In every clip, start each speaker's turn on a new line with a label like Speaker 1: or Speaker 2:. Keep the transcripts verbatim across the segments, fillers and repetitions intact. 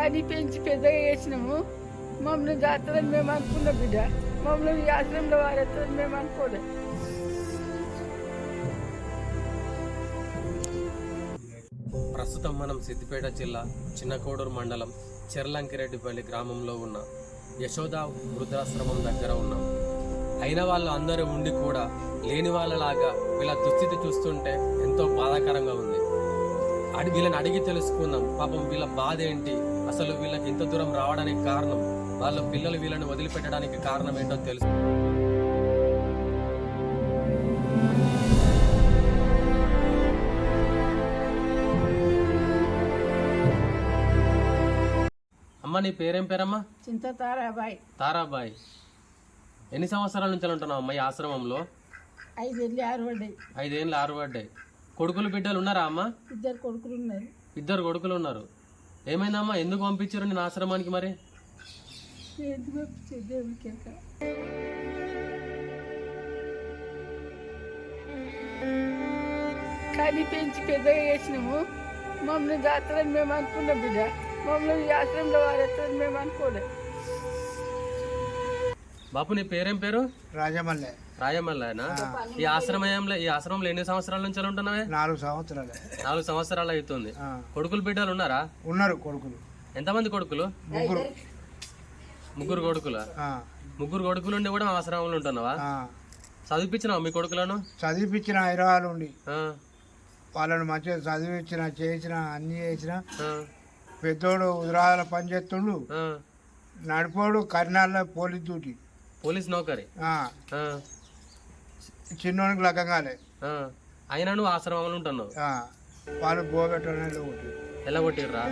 Speaker 1: కానీ పెంచి పెద్దగా చేసినాము. మమ్మల్ని జాతరని మేము అనుకున్నాం బిడ్డ. మమ్మల్ని ఈ ఆశ్రమంలో వారేస్తారని మేము అనుకోలేదు.
Speaker 2: ప్రస్తుతం మనం సిద్దిపేట జిల్లా చిన్నకోడూరు మండలం చెర్లంకిరెడ్డిపల్లి గ్రామంలో ఉన్న యశోద వృద్ధాశ్రమం దగ్గర ఉన్నాం. అయిన వాళ్ళు అందరూ ఉండి కూడా లేని వాళ్ళలాగా వీళ్ళ దుస్థితి చూస్తుంటే ఎంతో బాధాకరంగా ఉంది. అడి వీళ్ళని అడిగి తెలుసుకుందాం, పాపం వీళ్ళ బాధ ఏంటి, అసలు వీళ్ళకి ఇంత దూరం రావడానికి కారణం, వాళ్ళ పిల్లలు వీళ్ళని వదిలిపెట్టడానికి కారణం ఏంటో తెలుసు. అమ్మ, నీ పేరేం పేరమ్మా?
Speaker 1: చింత తారాబాయి.
Speaker 2: తారాబాయి. ఎన్ని సంవత్సరాల నుంచి ఉంటున్నావు అమ్మ ఈ ఆశ్రమంలో?
Speaker 1: ఐదేళ్ళు ఆరు పడ్డాయి.
Speaker 2: ఐదేళ్ళు ఆరు పడ్డాయి. కొడుకులు బిడ్డలు ఉన్నారా అమ్మ?
Speaker 1: ఇద్దరు కొడుకులు ఉన్నారు.
Speaker 2: ఇద్దరు కొడుకులు ఉన్నారు. ఏమైందమ్మా, ఎందుకు పంపించారు నేను ఆశ్రమానికి? మరి
Speaker 1: కానీ పెంచి పెద్దగా చేసినాము. మమ్మల్ని జాతరని మేము అనుకున్నాం బిడ్డ. మమ్మల్ని ఈ ఆశ్రమంలో వారేస్తారని మేము అనుకోలేదు.
Speaker 2: బాపు, నీ పేరేం పేరు?
Speaker 3: రాజమల్లె.
Speaker 2: రాజమల్లేనా? ఈ ఆశ్రమంలో ఈ ఆశ్రమంలో ఎన్ని సంవత్సరాల నుంచి ఉంటున్నావే?
Speaker 3: నాలుగు సంవత్సరాలు.
Speaker 2: నాలుగు సంవత్సరాలు అవుతుంది. కొడుకులు బిడ్డలు ఉన్నారా?
Speaker 3: ఉన్నారు కొడుకులు.
Speaker 2: ఎంతమంది కొడుకులు?
Speaker 3: ముగ్గురు.
Speaker 2: ముగ్గురు కొడుకులా? ముగ్గురు కొడుకులు ఉండి కూడా ఆశ్రమంలో ఉంటున్నావా? చదివిపించినావా మీ కొడుకులను?
Speaker 3: చదివిపించిన హైదరాబాద్ ఉండి వాళ్ళని మంచిగా చదివించిన, చేసిన, అన్ని చేసిన. పెద్దోడు ఉదరాల పని చేస్తుండు, నడిపోడు కర్నాల్లో పోలీస్ డ్యూటీ,
Speaker 2: పోలీస్ నౌకరి.
Speaker 3: చిన్నోనికి లగ్గంగాలే.
Speaker 2: అయినా నువ్వు ఆశ్రమంలో ఉంటున్నావు.
Speaker 3: వాళ్ళు బోగట్టని
Speaker 2: ఎలా కొట్టిర్రా?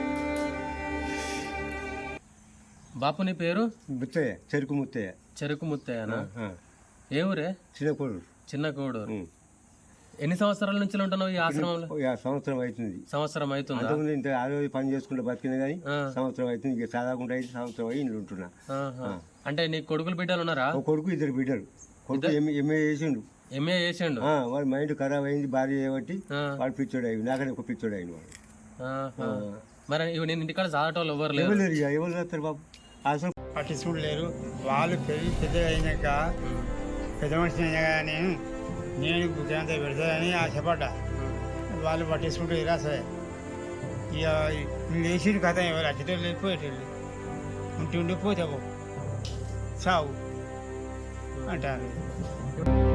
Speaker 2: బాపు, నీ పేరు?
Speaker 4: ముత్తయ్య. చెరుకు ముత్తయ్య.
Speaker 2: చెరుకు ముత్తయ్యనా? ఏ ఊరే?
Speaker 4: చిన్న కోడూరు.
Speaker 2: చిన్న కోడూరు. ఎన్ని సంవత్సరాల నుంచి ఉంటున్నావు ఈ ఆశ్రమంలో?
Speaker 4: సంవత్సరం అవుతుంది.
Speaker 2: సంవత్సరం అవుతుంది.
Speaker 4: ఇంత ఆరోగ్య పని చేసుకుంటే బతికిన కానీ సంవత్సరం అవుతుంది. ఇక చదవకుండా అయితే సంవత్సరం అయ్యి ఇంట్లో ఉంటున్నా.
Speaker 2: అంటే నీ కొడుకులు బిడ్డలు ఉన్నారా?
Speaker 4: ఒక కొడుకు, ఇద్దరు బిడ్డలు. కొడుకు ఎంఏ చేసిండు.
Speaker 2: ఎంఏ చేసిండు.
Speaker 4: వాడి మైండ్ ఖరాబ్ అయింది, భార్య చేయబట్టి వాడు పిచ్చోడు అయ్యి, నాకనే ఒక పిచ్చోడు అయింది వాడు.
Speaker 2: మరి నేను ఇంటికాడ చదవటం ఎవరు లేరు.
Speaker 4: ఎవరు లేరు, ఎవరు చేస్తారు బాబు? అసలు
Speaker 3: పట్టించుకుంటూ లేరు. వాళ్ళు పెరిగి పెద్దగా అయినాక పెద్ద మనిషి అయినా కానీ నేను బుద్ధంతా పెడతానని ఆశపడ్డా. వాళ్ళు పట్టించుకుంటూ ఇలా సరే ఇక లేచిన కథ ఎవరు అచ్చేటోళ్ళు వెళ్ళిపోయేటోళ్ళు ఉండి ఉండిపోతావు సావు అంటారు.